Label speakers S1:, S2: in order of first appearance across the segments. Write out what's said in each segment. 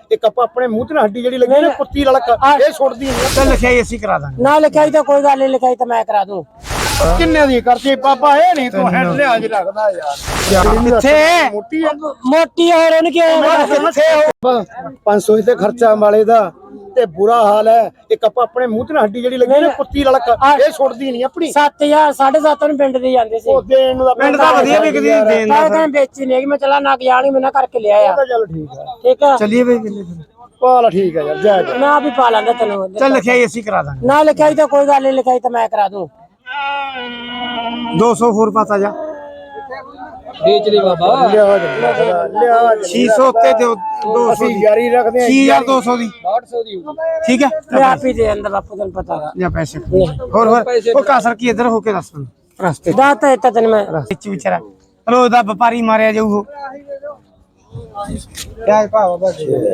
S1: ਇੱਕ ਆਪਾਂ ਆਪਣੇ ਮੂੰਹ ਤੇ ਹੱਡੀ ਜਿਹੜੀ ਲੱਗੀ ਨਾ ਕੁੱਤੀ ਲੜਕ ਇਹ ਛੁੱਟਦੀ ਨਹੀਂ
S2: ਚੱਲ ਲਿਖਾਈ ਅਸੀਂ ਕਰਾ ਦਾਂਗੇ
S3: ਨਾ ਲਿਖਾਈ ਤਾਂ ਕੋਈ ਗੱਲ ਨਹੀਂ, ਲਿਖਾਈ ਤਾਂ ਮੈਂ ਕਰਾ ਦੂੰ।
S1: ਕਿੰਨੇ ਦੀ ਕਰਤੀ ਪਾਪਾ ਇਹ ਨਹੀਂ ਤੂੰ ਹੈਡ ਲਿਆਜ ਰੱਖਦਾ ਯਾਰ
S2: ਕਿੱਥੇ
S1: ਮੋਟੀ ਆ
S3: ਮੋਟੀ ਹੋਰ ਉਹਨੂੰ ਕਿਉਂ
S1: 500 ਤੇ ਖਰਚਾ ਵਾਲੇ ਦਾ ਤੇ ਬੁਰਾ ਹਾਲ ਹੈ। ਇੱਕ ਆਪਾਂ ਆਪਣੇ ਮੂੰਹ ਤੇ ਹੱਡੀ ਜਿਹੜੀ ਲੱਗੀ ਨਾ ਕੁੱਤੀ ਲੜਕ ਇਹ ਛੁੱਟਦੀ ਨਹੀਂ ਆਪਣੀ
S3: 7000 7.5 ਨੂੰ ਪਿੰਡ ਦੇ ਜਾਂਦੇ ਸੀ।
S1: ਉਹ ਦੇਣ ਨੂੰ
S2: ਪਿੰਡ ਦਾ ਵਧੀਆ ਵਿਕਦੀ ਦੇਣ ਦਾ
S3: ਤਾਂ ਵੇਚੀ ਨਹੀਂ ਮੈਂ ਚਲਾ ਨਾ ਗਿਆ ਨਹੀਂ, ਮੈਂ ਨਾ ਕਰਕੇ ਲਿਆ ਆ।
S1: ਚੱਲ ਠੀਕ ਆ
S3: ਠੀਕ ਆ,
S2: ਚੱਲੀਏ ਬਈ ਕਿੰਨੇ
S1: ਪਾਲ ਠੀਕ ਆ ਯਾਰ ਜਾ
S3: ਮੈਂ ਆਪ ਹੀ ਪਾ ਲਾਂਗਾ ਤੈਨੂੰ।
S2: ਚੱਲ ਲਿਖਾਈ ਅਸੀਂ ਕਰਾ ਦਾਂਗੇ
S3: ਨਾ ਲਿਖਾਈ ਤਾਂ ਕੋਈ ਗੱਲ ਨਹੀਂ, ਲਿਖਾਈ ਤਾਂ ਮੈਂ ਕਰਾ ਦੂੰ।
S2: 200 ਹੋਰ ਪਤਾ ਜਾ
S3: ਵੇਚ ਲਈ ਬਾਬਾ।
S1: ਲਿਆ
S2: 600 ਉੱਤੇ ਦਿਓ 200
S1: ਅਸੀਂ
S2: ਦੀ
S1: ਯਾਰੀ ਰੱਖਦੇ ਆ
S2: 6200 ਦੀ
S3: 800 ਦੀ
S2: ਠੀਕ ਹੈ
S3: ਮੈਂ ਆਪ ਹੀ ਦੇ ਅੰਦਰ ਬਾਪੂ ਤੈਨੂੰ ਪਤਾ ਹੈ।
S2: ਜਾਂ ਪੈਸੇ ਹੋਰ ਉਹ ਕਾਸਰ ਕੀ ਇੱਧਰ ਹੋ ਕੇ ਦੱਸ ਮੈਨੂੰ ਰਸਤੇ
S3: ਦਾਤਾ ਇੱਥੇ ਤੈਨੂੰ ਮੈਂ
S2: ਵਿੱਚ ਵਿਚਾਰਾ ਰੋਜ਼ ਦਾ ਵਪਾਰੀ ਮਾਰਿਆ ਜਾਊ ਕਿਆ ਭਾਅ ਬਾਬਾ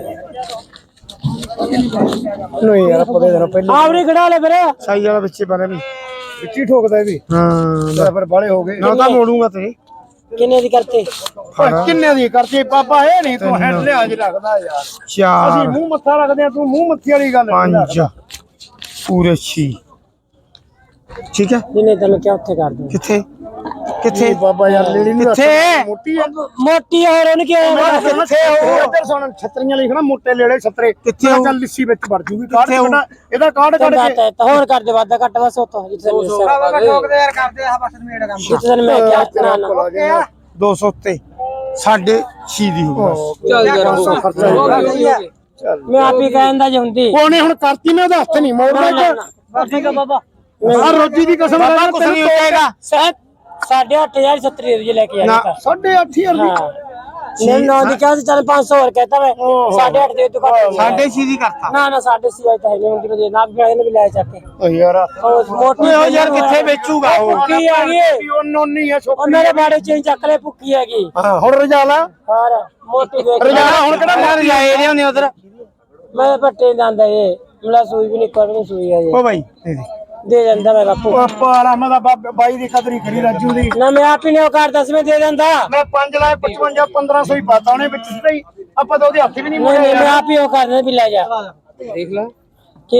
S1: ਨਹੀਂ ਯਾਰ ਪਤਾ ਦੇਣਾ ਪਹਿਲੇ
S3: ਆਵਰੀ ਖੜਾ ਲੈ ਵੀਰੇ।
S2: ਸਾਈ ਵਾਲਾ ਵਿੱਚੇ ਬਣੇ ਵੀ
S1: ਵਿੱਚੀ ਠੋਕਦਾ ਇਹ ਵੀ
S2: ਹਾਂ
S1: ਫਿਰ ਬਾਲੇ ਹੋ ਗਏ
S2: ਨਾ ਤਾਂ ਮੋੜੂਗਾ ਤੇਰੇ
S3: ਕਿੰਨੇ ਦੀ ਕਰਤੇ?
S1: ਕਿੰਨੇ ਦੀ ਕਰਤੀ ਪਾਪਾ ਇਹ ਨਹੀਂ ਤੂੰ ਹੈਡ ਲਿਆਜ ਰੱਖਦਾ ਯਾਰ ਅਸੀਂ
S2: 4
S1: ਮੂੰਹ ਮੱਥਾ ਰੱਖਦੇ ਆ ਤੂੰ ਮੂੰਹ ਮੱਥੀ ਵਾਲੀ ਗੱਲ
S2: 5 ਪੂਰੇ 6 ਠੀਕ ਹੈ
S3: ਜਿਹਨੇ ਤੈਨੂੰ ਕਿਹਾ ਉੱਥੇ ਕਰ ਦੂੰ।
S2: ਕਿੱਥੇ ਕਿੱਥੇ
S1: ਬਾਬਾ ਯਾਰ ਲੇੜੀ ਨੂੰ
S2: ਕਿੱਥੇ
S1: ਮੋਟੀ ਆ
S3: ਮੋਟੀ ਹੋਰ ਉਹਨੂੰ ਕਿਉਂ
S1: ਕਿੱਥੇ ਉਹ ਇੱਧਰ ਸੁਣ ਛਤਰੀਆਂ ਲਿਖਣਾ ਮੋਟੇ ਲੇੜੇ ਛਤਰੇ
S2: ਕਿੱਥੇ ਉਹ?
S1: ਚੱਲ ਲਿੱਸੀ ਵਿੱਚ ਵੜ ਜੂਗੀ ਕਾਰਡ ਕੱਢਣਾ ਇਹਦਾ ਕਾਰਡ ਕੱਢ ਕੇ
S3: ਦਾਤਾ ਤਾਂ ਹੋਰ ਕਰ ਦੇ ਵਾਦਾ ਘੱਟ ਬਸ ਉੱਥੋਂ ਜਿੱਥੇ
S2: ਠੋਕਦੇ ਯਾਰ ਕਰਦੇ ਆ ਬਸ ਮੇੜ ਕੰਮ
S3: ਜਿੱਥੇ ਤੈਨੂੰ ਮੈਂ ਕਿਹਾ ਨਾ
S2: 200 ਉੱਤੇ 6.5 ਦੀ ਹੋਊ ਬਸ
S3: ਚੱਲ
S1: ਖਰਚਾ ਚੱਲ
S3: ਮੈਂ ਆਪ ਹੀ ਕਹਿੰਦਾ ਜੇ ਹੁੰਦੀ
S1: ਉਹਨੇ ਹੁਣ ਕਰਤੀ ਮੈਂ ਉਹਦਾ ਹੱਥ ਨਹੀਂ ਮੋੜਦਾ
S3: ਠੀਕ ਆ ਬਾਬਾ।
S1: ਆ ਰੋਜੀ ਦੀ ਕਸਮ
S2: ਬਾਬਾ ਕੁਛ ਨਹੀਂ ਹੋਏਗਾ
S3: 8,500 70 ਰੁਪਏ ਲੈ ਕੇ ਆਇਆ ਤਾਂ
S1: 8.5
S3: ਹਾਂ ਨਹੀਂ ਨਾ ਦੀ ਕਿਹਾ ਚੱਲ 500 ਹੋਰ ਕਹਤਾ ਮੈਂ 8.5 ਦੇ ਤੂੰ ਘੱਟ
S2: 6.5 ਦੀ ਕਰਤਾ
S3: ਨਾ ਨਾ 6.5 ਆਇਆ ਤਾਂ ਹੈ ਨਹੀਂ ਹੁੰਦੀ ਜੇ ਨਾ ਵੀ ਲੈ ਚੱਕ ਕੇ
S1: ਓ ਯਾਰ
S3: ਉਹ ਮੋਟੀ
S2: ਓਏ ਯਾਰ ਕਿੱਥੇ ਵੇਚੂਗਾ ਉਹ
S3: ਭੁੱਕੀ ਆ ਗਈ
S1: ਉਹ ਨੋਨੀ ਆ
S3: ਉਹ
S1: ਛੋਕਰੀ
S3: ਮੇਰੇ ਬਾੜੇ ਚ ਚੱਕ ਲੈ ਭੁੱਕੀ ਹੈਗੀ
S1: ਹਾਂ ਹੁਣ ਰਜਾਲਾ
S3: ਹੋਰ ਮੋਟੀ ਦੇਖ
S1: ਰਜਾਲਾ ਹੁਣ ਕਿਹੜਾ
S2: ਯਾਰ ਜਾਏ ਨੇ ਉਹਨੇ ਉਧਰ
S3: ਮੈਂ ਪੱਟੇ ਜਾਂਦਾ ਇਹ ਮੇਰਾ ਸੂਈ ਵੀ ਨਹੀਂ ਕੋਈ ਨਹੀਂ ਸੂਈ ਹੈ
S2: ਓ ਬਾਈ
S3: ਦੇ ਜਾਂਦਾ ਮੈਂ ਬਾਪੂ
S1: ਪਾਪਾ ਵਾਲਾ ਮੈਂ ਤਾਂ ਬਾਈ ਦੀ ਕਦਰੀ ਕਰੀ ਰਾਜੂ ਦੀ
S3: ਨਾ ਮੈਂ ਆਪ ਹੀ ਨੇ ਉਹ ਕਰ 10 ਮੈਂ ਦੇ ਦਿੰਦਾ
S1: ਮੈਂ 5 ਲਾਏ 55 1500 ਹੀ ਪਾਤਾ ਉਹਨੇ ਵਿੱਚ ਸਿੱਧਾ ਹੀ ਆਪਾਂ ਤਾਂ ਉਹਦੇ ਹੱਥ ਵੀ ਨਹੀਂ
S3: ਨਹੀਂ
S1: ਮੋੜਿਆ
S3: ਮੈਂ ਆਪ ਹੀ ਉਹ ਕਰਦਾ ਵੀ ਲੈ ਜਾ
S1: ਦੇਖ ਲੈ
S3: ਕੀ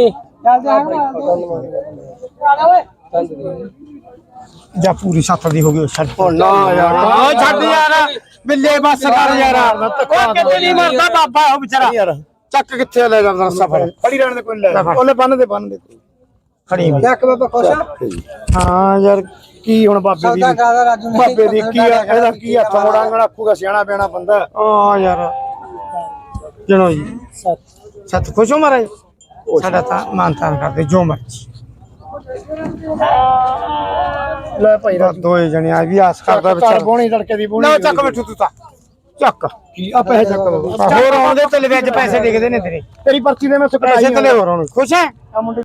S2: ਜਾਂ ਪੂਰੀ 7 ਦੀ ਹੋ ਗਈ ਛੱਡ
S1: ਨਾ ਯਾਰ
S2: ਓ ਛੱਡ ਯਾਰ ਬਿੱਲੇ ਬੱਸ ਕਰ ਯਾਰ ਉਹ ਕਿਤੇ ਨਹੀਂ ਮਰਦਾ ਬਾਬਾ ਉਹ ਵਿਚਾਰਾ
S1: ਯਾਰ
S2: ਚੱਕ ਕਿੱਥੇ ਲੈ ਜਾਂਦਾ ਸਫਰ
S1: ਖੜੀ ਰਹਿਣ ਦੇ ਕੋਈ ਲੈ ਉਹਨੇ ਬੰਨ ਦੇ
S2: ਖੜੀ ਵੀ
S3: ਚੱਕ ਬਾਬਾ ਖੁਸ਼
S1: ਹਾਂ ਯਾਰ ਕੀ ਹੁਣ ਬਾਬੇ ਦੀ ਬਾਬੇ ਦੀ ਕੀ ਆ ਇਹਦਾ ਕੀ ਹੱਥ ਮੋੜਾਂਗਣ ਆਖੂਗਾ ਸਿਆਣਾ ਪਿਆਣਾ ਬੰਦਾ
S2: ਓ ਯਾਰ ਜਣੋ ਜੀ ਸਤ ਖੁਸ਼ ਹੋ ਮਹਾਰਾਜ ਸਾਡਾ ਤਾਂ ਮਾਨਤਾਨ ਕਰਦੇ ਜੋ ਮਰਜੀ
S1: ਲੈ ਭਾਈ
S2: ਦੋਏ ਜਣੇ ਆ ਵੀ ਆਸ ਕਰਦਾ ਵਿਚਾਰ
S1: ਬੋਣੀ ਲੜਕੇ ਦੀ ਬੋਣੀ
S2: ਨਾ ਚੱਕ ਬੈਠੂ ਤੂੰ ਤਾਂ ਚੱਕ
S1: ਕੀ ਆ ਪੈਸੇ ਚੱਕ ਬਾਬਾ
S2: ਹੋਰ ਆਉਂਦੇ ਤੇ ਵਿੱਚ ਪੈਸੇ ਡਿੱਗਦੇ ਨੇ ਤੇਰੇ
S1: ਤੇਰੀ ਪਰਚੀ ਦੇ ਮੈਂ
S2: ਪੈਸੇ ਤੇ ਲੈ ਹੋਰ ਆਉਣ ਖੁਸ਼ ਹੈ
S1: ਆ ਮੁੰਡੇ